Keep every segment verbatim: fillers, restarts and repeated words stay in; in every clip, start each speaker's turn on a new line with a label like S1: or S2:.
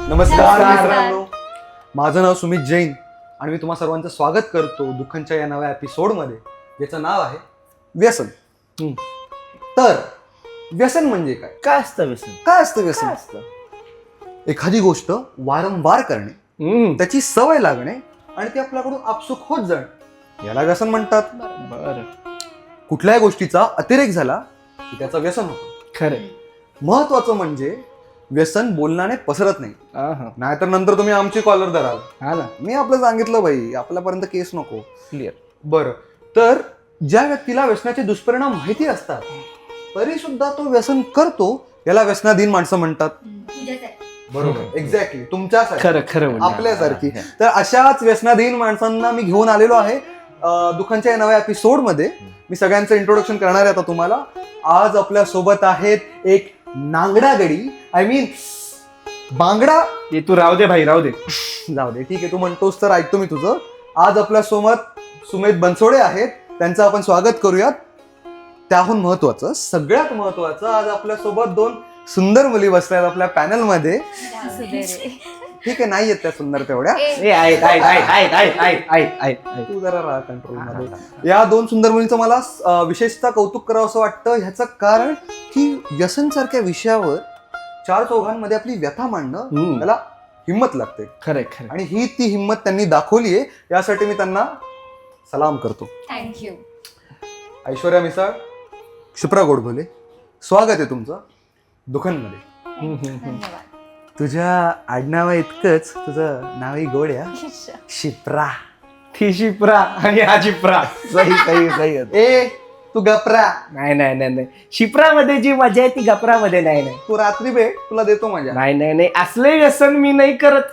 S1: नमस्कार मित्रांनो, माझं नाव सुमित जैन आणि मी तुम्हा सर्वांचं स्वागत करतो दुःखांच्या या नव्या एपिसोडमध्ये, ज्याचं नाव आहे व्यसन. तर व्यसन म्हणजे काय?
S2: काय असतं व्यसन?
S1: काय असतं व्यसन?
S2: काय असतं?
S1: एखादी गोष्ट वारंवार करणे, त्याची सवय लागणे आणि ती आपल्याकडून आपसुक होत जाणे, याला व्यसन म्हणतात.
S2: बरं,
S1: कुठल्याही गोष्टीचा अतिरेक झाला की त्याचं व्यसन होतं.
S2: खरं.
S1: महत्वाचं म्हणजे व्यसन बोलण्याने पसरत नाही, नाहीतर नंतर तुम्ही आमची कॉलर धराल.
S2: हा ना,
S1: मी आपलं सांगितलं भाई, आपल्यापर्यंत केस नको.
S2: क्लिअर.
S1: बरं, तर ज्या व्यक्तीला व्यसनाचे दुष्परिणाम माहिती असतात तरी सुद्धा तो व्यसन करतो, याला व्यसनाधीन माणसं म्हणतात. बरोबर, एक्झॅक्टली तुमच्यासारखी,
S2: खरं खरं
S1: आपल्यासारखी. तर अशाच व्यसनाधीन माणसांना मी घेऊन आलेलो आहे अं, दुःखांच्या या नव्या एपिसोड मध्ये. मी सगळ्यांचं इंट्रोडक्शन करणार आहे आता तुम्हाला. आज आपल्या सोबत आहेत एक नांगडा गडी, आय मीन बांगडा.
S2: ते तू राहू दे भाई, राहू दे.
S1: जाऊ दे, ठीक आहे, तू म्हणतोस तर ऐकतो मी तुझं. आज आपल्या सोबत सुमित बनसोडे आहेत, त्यांचं आपण स्वागत करूयात. त्याहून महत्वाचं, सगळ्यात महत्वाचं, आज आपल्या सोबत दोन सुंदर मुली बसल्यात आपल्या पॅनल मध्ये. ठीक आहे, नाही येत त्या सुंदर तेवढ्या,
S2: ए, आहेत, आहेत, आहेत, आहेत, आहेत, आहेत, आहेत, आहेत.
S1: तू जरा राहा कंट्रोल मध्ये. या दोन सुंदर मुलींचं मला अं, विशेषतः कौतुक करावं असं वाटतं. ह्याचं कारण की व्यसन सारख्या विषयावर चार चौघांमध्ये आपली व्यथा मांडणं,
S2: हम्म.
S1: त्याला हिंमत लागते.
S2: खरंय खरं.
S1: आणि ही ती हिंमत त्यांनी दाखवली आहे, यासाठी मी त्यांना सलाम करतो.
S3: थँक्यू.
S1: ऐश्वर्या मिसाळ, क्षिप्रा गोडबोले, स्वागत आहे तुमचं दुःखांमध्ये.
S3: धन्यवाद.
S1: तुझ्या आडनावा इतकंच तुझं नावही गोड आहे, क्षिप्रा.
S2: ती शिप्रा आणि हा शिप्रा.
S1: सही सही सही. ए तू गपरा.
S2: नाही नाही नाही नाही, शिप्रामध्ये जी मजा आहे ती गपरामध्ये नाही. नाही
S1: तू रात्री भेट, तुला देतो मजा.
S2: नाही नाही नाही, असले व्यसन मी नाही करत.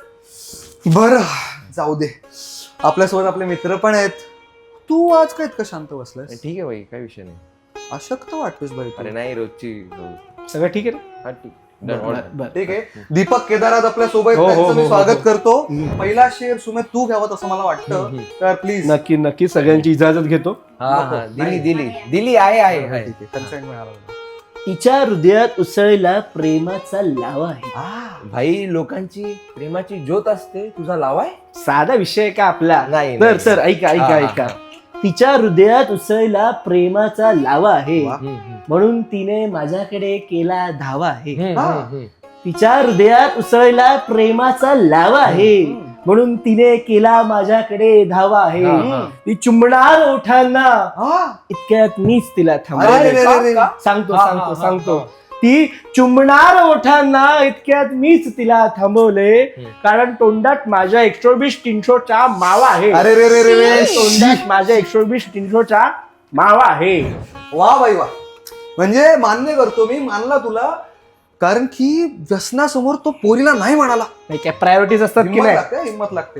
S1: बरं, जाऊ दे. आपल्यासोबत आपले मित्र पण आहेत. तू आज काय इतकं शांत बसलायस?
S4: ठीक आहे भाई, काय विषय नाही.
S1: अशक्त वाटतोस भाई तू.
S4: अरे नाही, रोजची
S2: सगळं ठीक आहे ना?
S4: हा ठीक.
S2: बरं, बरं.
S1: ठीक आहे. दीपक केदार आज आपल्या सोबत,
S2: हो, हो,
S1: त्यांचं मी
S2: हो,
S1: स्वागत
S2: हो.
S1: करतो.
S2: हम्म.
S1: पहिला शेर सुमित तू घ्यावं असं मला वाटतं, तर प्लीज.
S2: नक्की नक्की सगळ्यांची इजाजत घेतो.
S4: हा
S1: नको.
S4: हा, दिली
S1: नाही.
S4: दिली दिली आहे आहे
S1: ठीक
S4: आहे.
S1: आहे, कन्सेंट मिळाला.
S2: तिच्या हृदयात उसळला प्रेमाचा लावा आहे.
S1: आ,
S4: भाई, लोकांची प्रेमाची ज्योत असते, तुझा लावाय.
S2: साधा विषय आहे का आपला?
S4: नाही,
S2: तर
S4: नाही.
S2: सर ऐका
S4: हा,
S2: ऐका
S4: हा,
S2: ऐका.
S4: हा.
S2: तिच्या हृदयात उसळला प्रेमाचा लावा आहे,
S1: वा.
S4: हम्म, हम्म.
S2: म्हणून तिने माझ्याकडे केला धावा आहे.
S4: हम्म,
S1: हा.
S4: हम्म, हम्म.
S2: तिच्या हृदयात उसळला प्रेमाचा लावा आहे, म्हणून तिने केला माझ्याकडे धावा आहे.
S4: हा, हा.
S2: ती चुंबणार ओठांना,
S1: आ.
S2: इतक्यात मीच तिला
S1: अरे,
S2: थांबवले.
S1: अरे, अरे, अरे.
S2: सांगतो
S4: हा, हा,
S2: सांगतो
S4: हा,
S2: सांगतो
S4: हा.
S2: ती चुंबणार ओठांना, इतक्यात मीच तिला थांबवले,
S4: हम्म.
S2: कारण तोंडात माझ्या एकशे वीस तीनशोचा मावा आहे.
S1: अरे रे रे रे रे.
S2: तोंडात माझ्या एकशे वीस तीनशोचा मावा आहे.
S1: वा बाई वा. म्हणजे मान्य करतो मी, मानला तुला, कारण की व्यसनासमोर तो पोरीला नाही म्हणाला.
S2: नाही काय प्रायोरिटीज असतात की
S1: हिंमत
S2: नाही?
S1: लागते, हिंमत लागते.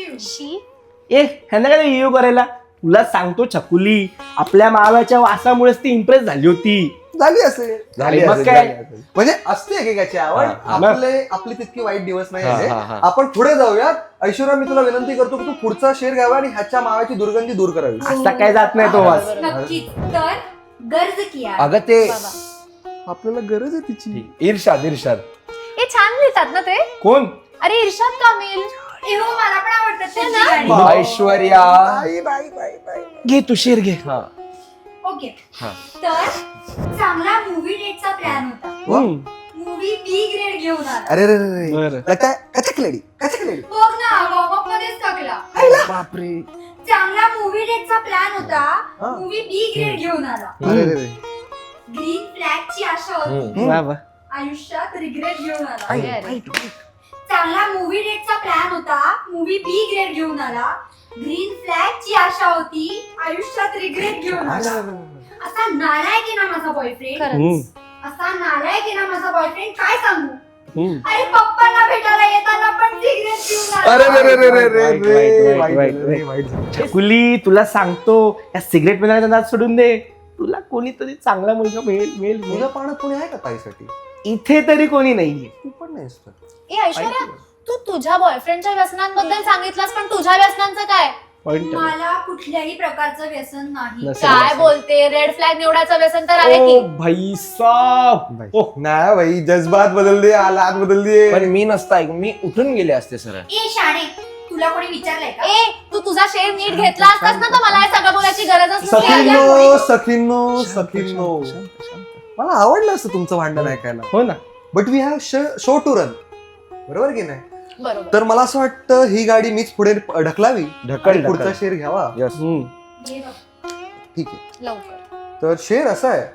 S3: शी.
S2: ए ह्यांना काय इयो करायला? तुला सांगतो छकुली, आपल्या मावाच्या वासामुळेच ती इम्प्रेस झाली होती.
S1: झाली असेल,
S4: झाली
S2: मग
S4: असेल,
S2: काय?
S4: झाली असेल.
S1: म्हणजे असते एकेकाची आवड.
S4: हा,
S2: हा.
S1: आपले आपली तितकी वाईट दिवस नाही
S4: हा,
S1: आहे.
S4: हा, हा.
S1: आपण पुढे जाऊयात. ऐश्वर्या, मी तुला विनंती करतो की तू पुढचा शेर घ्यावा आणि ह्याच्या मावाची दुर्गंधी दूर करावी.
S2: असा काय जात नाही तो वास.
S3: नक्कीच. तर गर्ज किया.
S4: अगं ते
S3: बाबा.
S1: आपल्याला गरज आहे तिची.
S4: ठीक. इर्षाद इर्षाद.
S3: हे छान लिहितात ना ते.
S2: कोण?
S3: अरे इर्षाद कामिल. एहो, मला पण आवडतात त्यांची गाणी.
S1: वा.
S4: ऐश्वर्या.
S1: बाई, बाई, बाई, बाई.
S2: घे तू शेर घे.
S4: हा
S3: ओके.
S4: हा.
S3: तर चांगला मूवी डेटचा प्लॅन होता.
S1: वा.
S3: मूवी बी ग्रेड घेऊन आला.
S1: अरे रे रे रे.
S2: बरं.
S1: लगता है कचक लेडी, कचक लेडी.
S3: बघ ना, वॉर्मअप मध्येच टाकला.
S2: बापरे.
S3: चांगला मूवी डेटचा प्लॅन होता.
S1: हा.
S3: मूवी बी ग्रेड घेऊन आला.
S1: अरे रे रे.
S3: ग्रीन फ्लॅगची आशा होती.
S4: हम्म.
S2: वा वा.
S3: आयुष्यात रिग्रेट घेऊन आला.
S4: आई,
S3: चांगला मूवी डेटचा प्लॅन होता. मूवी बी ग्रेड घेऊन आला. ग्रीन फ्लॅगची आशा होती. आयुष्यात रिग्रेट घेऊन आला. असा नालायक आहे ना माझा बॉयफ्रेंड.
S2: हम्म,
S3: असा नालायक आहे ना माझा बॉयफ्रेंड, काय सांगू.
S2: हम्म.
S3: अरे पप्पांना भेटायला येताना पण सिगरेट घेऊन आला.
S1: अरे रे रे रे रे रे
S2: वाईट,
S1: रे.
S2: वाईट,
S1: वाईट
S2: वाईट,
S1: झालं रे, वाईट झालं.
S2: छकुली, तुला सांगतो, या सिगरेट पिण्याचा नाद सोडून दे. तुला कोणीतरी चांगला मुलगा मिळेल मिळेल मिळेल.
S1: तुझ्या पाण्यात कोणी आहे का ताईसाठी?
S2: इथे तरी कोणी नाहीये.
S1: तू पण नाहीस तर.
S3: ए ऐश्वर्या, तू तुझ्या बॉयफ्रेंडच्या व्यसनांबद्दल सांगितलंस, पण तुझ्या व्यसनांचं काय?
S2: पॉइंट
S3: मला कुठल्याही प्रकारचं व्यसन नाही.
S2: नसेल.
S5: काय बोलते, रेड फ्लॅग निवडायचं व्यसन तर आहे
S2: ओ
S5: की.
S2: भाई साहब
S1: भाई.
S2: ओह,
S1: नाही भाई जज्बात बदल दिए हालात बदल दिए.
S4: पण मी नसता ऐक- मी उठून गेले असते सरळ.
S3: ए शाणे, तुला कोणी विचारलंय का?
S5: ए तू तुझा शेर नीट घेतला असतास ना तर मला हे सगळं बोलायची गरजच नसती.
S1: सखींनो सखींनो सखींनो मला आवडलं असतं तुमचं भांडण ऐकायला.
S2: हो ना.
S1: But we have show to run, बरोबर की नाही?
S5: बरोबर.
S1: तर मला असं वाटतं ही गाडी मीच पुढे ढकलावी
S4: ढकल
S1: आणि पुढचा
S4: ढकल.
S1: शेर घ्यावा.
S4: यस.
S2: हम्म.
S3: घे बघ.
S1: ठीक आहे.
S5: लवकर.
S1: तर शेर असा आहे,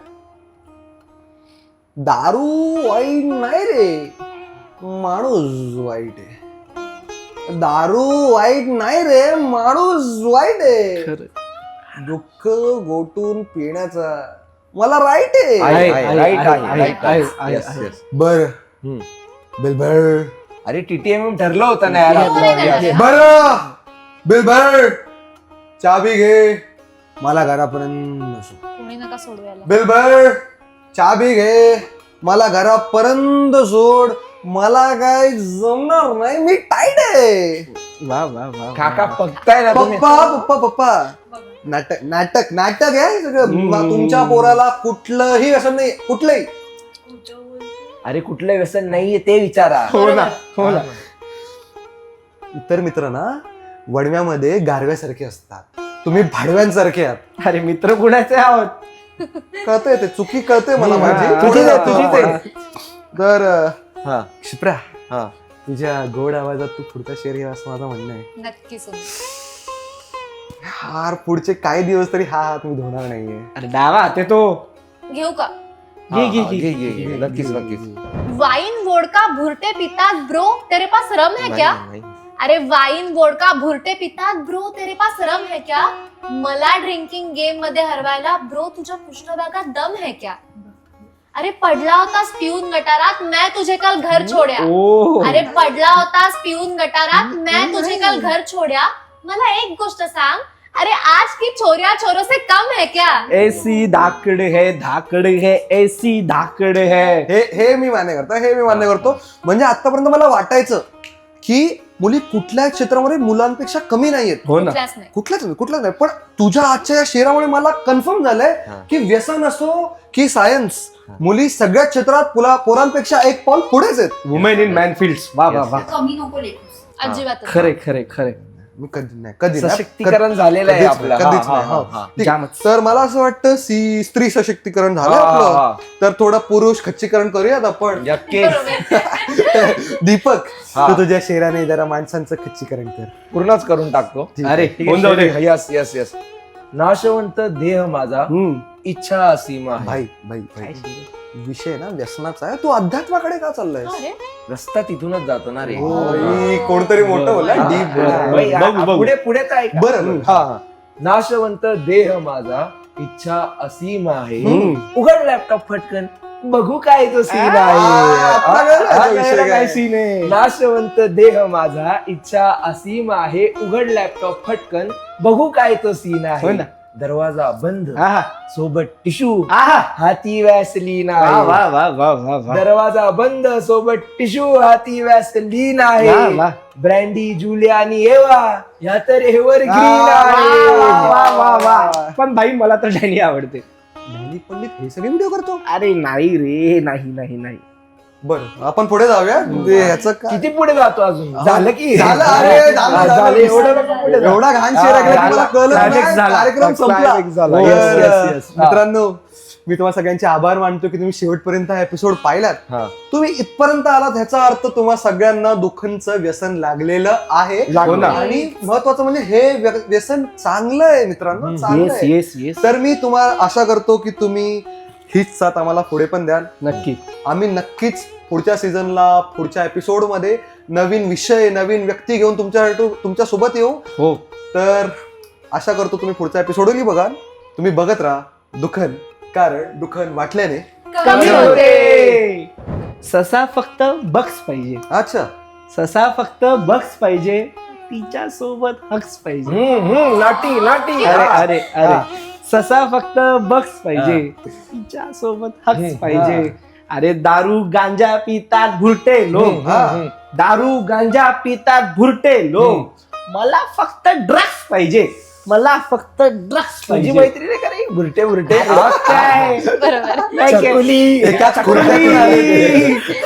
S1: दारू वाईट नाही रे, माणूस वाईट आहे. दारू वाईट नाही रे, माणूस वाईट आहे.
S2: खरं.
S1: दुःख गोटून पिण्याचा मला राईट आहे.
S4: आहे,
S2: आहे,
S4: आहे,
S2: आहे,
S4: right
S2: आहे,
S4: आहे,
S2: आहे,
S4: right
S2: आहे,
S4: आहे.
S2: आहे,
S4: Yes,
S2: आहे.
S4: yes.
S1: बर
S4: हम्म.
S1: बिल भर.
S4: अरे टीटीएम ठरलं होतं ना यार
S5: हो,
S4: आपलं.
S5: नाही, नाही,
S4: Yes.
S5: नाही.
S1: बर बिल भर. चाबी घे मला घरापर्यंत नसो.
S5: कोणी नका सोडू याला.
S1: बिल भर. चाबी घे मला घरापर्यंत सोड. मला काय जमणार नाही, मी टाईट आहे.
S2: वा वा वा
S4: काका बघताय ना तुम्ही.
S1: पप्पा पप्पा पप्पा
S3: बघ.
S1: नाटक नाटक नाटक आहे सगळं.
S2: हम्म.
S1: मा- तुमच्या पोराला कुठलंही व्यसन नाही, कुठलंही.
S3: खोटं बोलतो.
S4: अरे कुठलं व्यसन नाहीये ते विचारा.
S2: हो ना हो ना.
S1: इतर मित्र ना वडव्यामध्ये गारव्यासारखे असतात, तुम्ही भाडव्यांसारखे आहात.
S2: अरे मित्र कुणाचे आहोत?
S1: कळतंय ते, चुकी कळते मला
S2: हम्म,
S1: माझी.
S2: हा,
S1: तुझीच आहे
S2: हा,
S1: तुझीच आहे. तर
S4: हा
S1: क्षिप्रा,
S4: हा.
S1: तुझ्या गोड आवाजात तू पुढचा शेर घ्या असं माझं म्हणणं आहे.
S5: नक्की सोडू.
S1: हार पुढचे काही दिवस तरी हा हात मी धुणार नाहीये.
S2: अरे डावा ते तो
S5: घेऊ का?
S2: घे घे
S4: हा,
S2: घे
S4: घे, घे, घे. नक्कीच नक्कीच.
S5: वाइन वोडका भुरटे पितात ब्रो, तेरे पास रम है क्या?
S4: नाही, नाही.
S5: अरे वाइन वोडका भुरटे पितात ब्रो, तेरे पास रम है क्या? मला ड्रिंकिंग गेम मध्ये हरवायला ब्रो तुझ्या पृष्ठभागात दम है क्या? अरे पडला होतास पिऊन गटारात, मैं तुझे कल घर छोड्या.
S2: ओ
S5: अरे पडला होतास पिऊन गटारात, मैं तुझे कल घर छोड्या. मला एक गोष्ट सांग, अरे आज की छोरिया छोरों से कम है क्या?
S2: ऐसी धाकड़ है धाकड़ है ऐसी धाकड़ है.
S1: हे हे मी मान्य करतो, हे मी मान्य करतो. म्हणजे आतापर्यंत मला वाटायचं की मुली कुठल्याही क्षेत्रामध्ये मुलांपेक्षा कमी नाहीयेत.
S2: हो ना.
S5: कुठल्याच नाही.
S1: कुठल्याच नाही कुठल्याच नाही. पण तुझ्या आजच्या या शेरामुळे मला कन्फर्म झालंय
S4: हा.
S1: की व्यसन असो की सायन्स, मुली सगळ्या क्षेत्रात पुला पोरांपेक्षा एक पाऊल पुढेच आहेत.
S2: Women in man fields. वा वा वा.
S3: कमी नको लेखूस.
S5: अजिबात नाही.
S2: खरे खरे खरे.
S1: मी कधी नाही कधी नाही.
S4: सशक्तीकरण झालेलं आहे
S1: कधीच
S4: आपलं.
S1: नाही, कधीच
S4: हा,
S1: नाही.
S4: हा,
S1: हो.
S4: हा.
S1: ठीक.
S2: जामच.
S1: तर मला असं वाटतं सी स्त्री सशक्तीकरण झालं
S4: हा,
S1: आपलं.
S4: हा.
S1: तर थोडं पुरुष खच्चीकरण करूयात आपण.
S4: नक्कीच.
S5: बरोबर.
S1: दीपक,
S4: हा.
S1: तू तुझ्या शेराने जरा माणसांचं खच्चीकरण कर.
S4: पूर्णच करून टाकतो.
S1: ठीक
S2: अरे
S1: आहे.
S2: होऊन जाऊ दे.
S4: Yes yes yes. नाशवंत देह माझा,
S2: हम्म.
S4: इच्छा असीमा आहे.
S1: भाई भाई भाई विषय ना व्यसनाचा आहे. तू अध्यात्माकडे का चाललाय?
S5: अरे
S4: रस्ता तिथूनच जातो ना रे.
S1: कोणतरी मोठं बोलला
S2: हा.
S1: डीप
S4: बाई,
S2: बघू,
S4: आ-
S2: बघू.
S4: पुढे पुढे काय का?
S1: बरं
S4: हा हा. नाशवंत देह माझा, इच्छा असीम आहे.
S2: हम्म.
S4: उघड लॅपटॉप फटकन, बघू काय तो सीन
S1: आ,
S4: आहे.
S1: आता कळलं
S4: आ,
S1: आता
S4: आ,
S1: विषय
S4: कळलं
S1: काय.
S4: काय scene आहे. नाशवंत देह माझा, इच्छा असीम आहे. उघड लॅपटॉप फटकन, बघू काय तो सीन
S2: हो
S4: आहे.
S2: ना.
S4: दरवाजा बंद,
S2: आहा.
S4: सोबत टिशू,
S2: आहा.
S4: हाती वॅसलीन
S2: वा
S4: आहे.
S2: वा वा वा वा वा.
S4: दरवाजा बंद, सोबत टिशू, हाती वॅसलीन
S2: वा,
S4: आहे.
S2: वा.
S4: ब्रँडी जुलियानी एवा, ह्या तर एव्हर ग्रीन
S1: वा,
S4: आहे.
S2: वा वा वा. पण भाई मला तर डॅनी आवडते.
S1: ज्ञानी पंडित हे सगळे व्हिडिओ करतो.
S2: अरे नाही रे नाही नाही नाही.
S1: बरं आपण पुढे जाऊया. ते ह्याचं काय?
S4: किती पुढे जातो अजून?
S1: हा.
S4: झालं की
S1: झालं, अरे, झालं,
S4: हा,
S1: झालं.
S4: झालं. एवढं नको पुढे जाऊ.
S1: एवढा घाण शेर ऐकला की मला कळलं
S2: Climax
S1: नाही.
S2: झाला.
S1: कार्यक्रम संपला.
S4: Climax झाला.
S1: तर,
S4: Yes, yes, yes.
S1: मित्रांनो, मी तुम्हाला सगळ्यांचे आभार मानतो की तुम्ही शेवटपर्यंत हा एपिसोड पाहिलात.
S4: हा.
S1: तुम्ही इथपर्यंत आलात ह्याचा अर्थ तुम्हा सगळ्यांना दुःखांचं व्यसन लागलेलं आहे.
S2: लागलं.
S4: हो
S1: आणि महत्वाचं म्हणजे हे व्य- व्यसन चांगलं आहे मित्रांनो, चांगलं
S2: येस
S1: आहे.
S2: Yes yes.
S1: तर मी तुम्हाला आशा करतो की तुम्ही हीच साथ आम्हाला पुढे पण द्याल.
S2: नक्की.
S1: आम्ही नक्कीच पुढच्या सीझनला पुढच्या एपिसोड मध्ये नवीन विषय नवीन व्यक्ती घेऊन तुमच्या तुमच्या सोबत येऊ.
S2: हो.
S1: तर आशा करतो तुम्ही पुढचा एपिसोडही बघाल. तुम्ही बघत राहा दुखन, कारण दुखन वाटल्याने
S5: कमी होते.
S2: ससा फक्त बक्स पाहिजे.
S1: अच्छा
S2: ससा फक्त बक्स पाहिजे, तिच्या सोबत हक्स पाहिजे.
S4: हम्म, हम्म, नाटी नाटी
S2: अरे
S4: हा.
S2: अरे अरे ससा फक्त बक्स पाहिजे, तिच्या सोबत हक्स
S4: हम्म,
S2: पाहिजे. अरे दारू गांजा पितात भुरटे लोक.
S4: हम्म, हम्म, हम्म.
S2: दारू गांजा पितात भुरटे लोक. मला फक्त ड्रग्स पाहिजे, मला फक्त ड्रग्स
S4: तुझी
S2: पाहिजे.
S4: मैत्रीण आहे का रे बुरटे बुरटे
S2: अरे काय
S5: बरोबर
S2: काय
S4: चकुली
S1: एकाच खुर्च्यातून आले ते.